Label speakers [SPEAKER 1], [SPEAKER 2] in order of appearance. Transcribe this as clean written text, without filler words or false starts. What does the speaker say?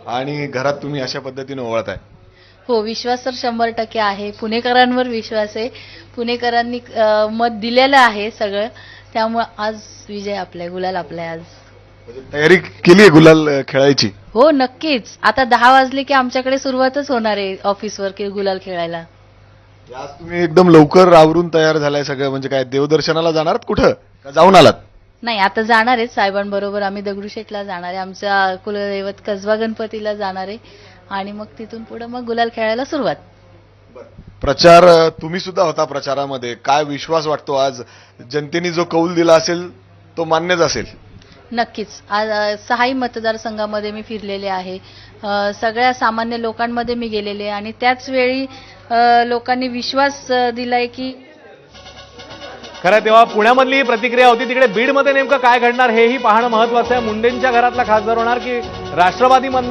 [SPEAKER 1] आणि घरात तुम्ही अशा पद्धतीने ओवाळताय.
[SPEAKER 2] हो, विश्वास तर 100% आहे. पुणेकरांवर विश्वास आहे. पुणेकरांनी मत दिलेलं आहे सगळं. त्यामुळे आज विजय आपला आहे, गुलाल आपला आहे आज.
[SPEAKER 1] म्हणजे तयारी केली आहे गुलाल खेळायची.
[SPEAKER 2] हो, नक्कीच. आता 10 वाजले की आमच्याकडे सुरुवातच होणार आहे ऑफिसवर की गुलाल खेळायला.
[SPEAKER 1] आज तुम्ही एकदम लवकर आवरून तयार झालाय सगळं. म्हणजे काय देवदर्शनाला जाणार आहात कुठं का जाऊन आलात?
[SPEAKER 2] नाही, आता जाणार आहे साहेबांबरोबर आम्ही दगडूशेठला जाणार आहे. आमच्या कुलदैवत कसबा गणपतीला जाणार आहे आणि मग तिथून पुढे मग गुलाल खेळायला सुरुवात.
[SPEAKER 1] प्रचार तुम्ही सुद्धा होता प्रचारामध्ये. काय विश्वास वाटतो आज जनतेने जो कौल दिला असेल तो मान्यच असेल?
[SPEAKER 2] नक्कीच. आज 6ही मतदारसंघामध्ये मी फिरलेले आहे. सगळ्या सामान्य लोकांमध्ये मी गेलेले आहे आणि त्याच वेळी लोकांनी विश्वास दिलाय की
[SPEAKER 3] खरं तेव्हा पुण्यामधली ही प्रतिक्रिया होती. तिकडे बीडमध्ये नेमकं काय घडणार हेही पाहणं महत्वाचं आहे. मुंडेंच्या घरातला खासदार होणार की राष्ट्रवादी